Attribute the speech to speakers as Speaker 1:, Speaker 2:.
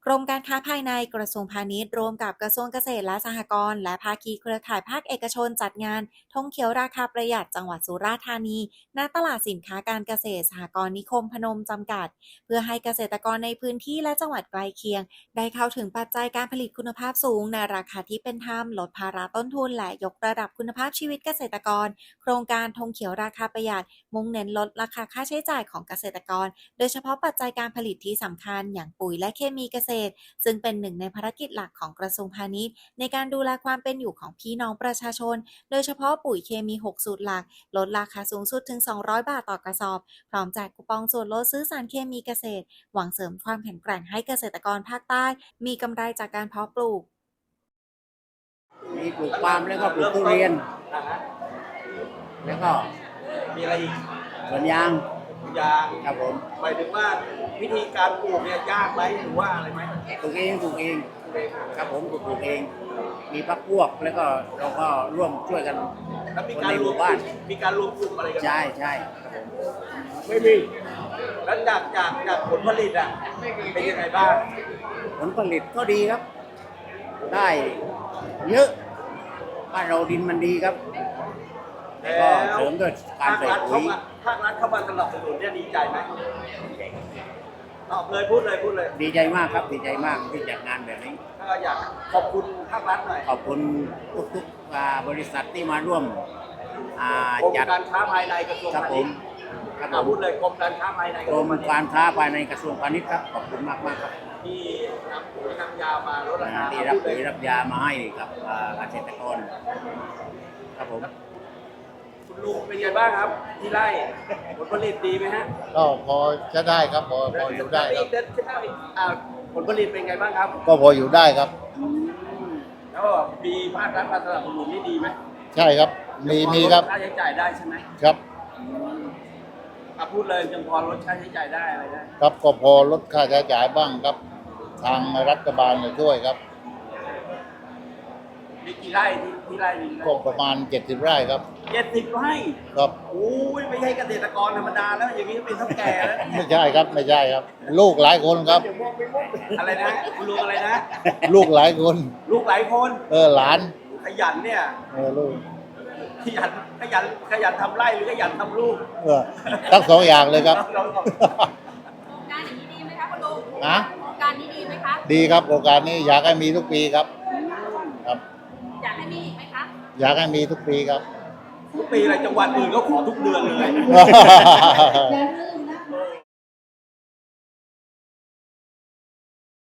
Speaker 1: กรมการค้าภายในกระทรวงพาณิชย์ร่วมกับกระทรวงเกษตรและสหกรณ์และภาคีเครือข่ายภาคเอกชนจัดงานธงเขียวราคาประหยัดจังหวัดสุราษฎร์ธานีณตลาดสินค้าการเกษตรสหกรณ์นิคมพนมจำกัดเพื่อให้เกษตรกรในพื้นที่และจังหวัดใกล้เคียงได้เข้าถึงปัจจัยการผลิตคุณภาพสูงในราคาที่เป็นธรรมลดภาระต้นทุนและยกระดับคุณภาพชีวิตเกษตรกรโครงการธงเขียวราคาประหยัดมุ่งเน้นลดราคาค่าใช้จ่ายของเกษตรกรโดยเฉพาะปัจจัยการผลิตที่สำคัญอย่างปุ๋ยและเคมีเกษตรซึ่งเป็นหนึ่งในภารกิจหลักของกระทรวงพาณิชย์ในการดูแลความเป็นอยู่ของพี่น้องประชาชนโดยเฉพาะปุ๋ยเคมี6สูตรหลักลดราคาสูงสุดถึง200 บาทต่อกระสอบพร้อมแจกคูปองส่วนลดซื้อสารเคมีเกษตรหวังเสริมความแข็งแกร่งให้เกษตรกรภาคใต้มีกำไรจากการเพาะปลูก
Speaker 2: มีปลูกปาล์มแล้วก็ปลูกทุเรียนแล้วก็
Speaker 3: มีอะไรอีก
Speaker 2: สวนยาง
Speaker 3: ยาง
Speaker 2: ครับผม
Speaker 3: หมายถึงว่าวิธีการปลูกเนี่ยยากไหมหรือว่าอะไรไหม
Speaker 2: ปลูกเองครับผมปลูกเองมีพรรคพวกแล้วก็เราก็ร่วมช่วยกัน
Speaker 3: แล้วมีการรวมบ้านมีการรวมกลุ่มอะไรกัน
Speaker 2: ใช่ครับผม
Speaker 3: ไม่มีแล้วจากผลผลิตอ่ะเป็นยังไงบ้าง
Speaker 2: ผลผลิตก็ดีครับได้เยอะบ้านเราดินมันดีครับก็เสริมด้วยการใส่ปุ๋ย
Speaker 3: ภาครัฐเข้ามาสนับสนุนเนี่ยดีใจไหมตอบเลยพูดเลย
Speaker 2: ดีใจมากครับดีใจมากที่จัดงานแบบนี้
Speaker 3: ก็อยากขอบคุณภาครัฐหน่อย
Speaker 2: ขอบคุณทุกบริษัทที่มาร่วม
Speaker 3: กรมการค้าภายในกระทรวงพาณิชย์พูดเลยกรมการค้าภายใน
Speaker 2: กรมการค้าภายในกระทรวงพาณิชย์ครับขอบคุณมากครับ
Speaker 3: ที่นำปุ๋ยนำยามาลดราคา
Speaker 2: ที่รับปุ๋ยรับยามาให้กับเกษตรกรครับผม
Speaker 3: คุณลุงเป็นไงบ้างครับที่ไร่ผลผลิตดีไหมฮะ
Speaker 4: ก็พอจะได้ครับพออยู่ได้ครับ
Speaker 3: ผลผลิตเป็นไงบ้างครับ
Speaker 4: ก็พออยู่ได้ครับ
Speaker 3: แล้วมีภาครัฐมาสนับสนุนนี่ดีไหม
Speaker 4: ใช่ครับมีครับ
Speaker 3: ค่าใช้จ่ายได้ใช่ไหม
Speaker 4: ครับ
Speaker 3: พูดเลยยังพอลดค่าใช้จ่ายได้อะไรได้
Speaker 4: ครับก็พอลดค่าใช้จ่ายบ้างครับทางรัฐบาลจะช่วยครับ
Speaker 3: มีกี่ไร่ที่ไร่นี้
Speaker 4: ก็ประมาณ70 ไร่ครับ
Speaker 3: 70 ไร่
Speaker 4: ครับ
Speaker 3: โอ้ยไม่ใช่เกษตรกรธรรมดาแล้วอย่างนี้เป็นเฒ่าแก่แล้ว
Speaker 4: ไม่ใช่ครับลูกหลายคนครับ
Speaker 3: อะไรนะคุณลุงอะไรนะ
Speaker 4: ลูกหลายคนหลาน
Speaker 3: ขยันเนี่ย
Speaker 4: ลูก
Speaker 3: ขยันทำไร่หรือขยันทำลูก
Speaker 4: ทั้งสองอย่างเลยครับ
Speaker 5: โครงการอย่างนี้ดีไหมคะคุณลุงโครงการนี้ดีไหมคะ
Speaker 4: ดีครับโครงการนี้อยากให้มีทุกปีครับ
Speaker 5: อยากให้มีอีกไหมคะ
Speaker 4: อยากให้มีทุกปีครับ
Speaker 3: ทุกปีอะไรจังหวัดอื่นก็ขอทุกเดือนเลย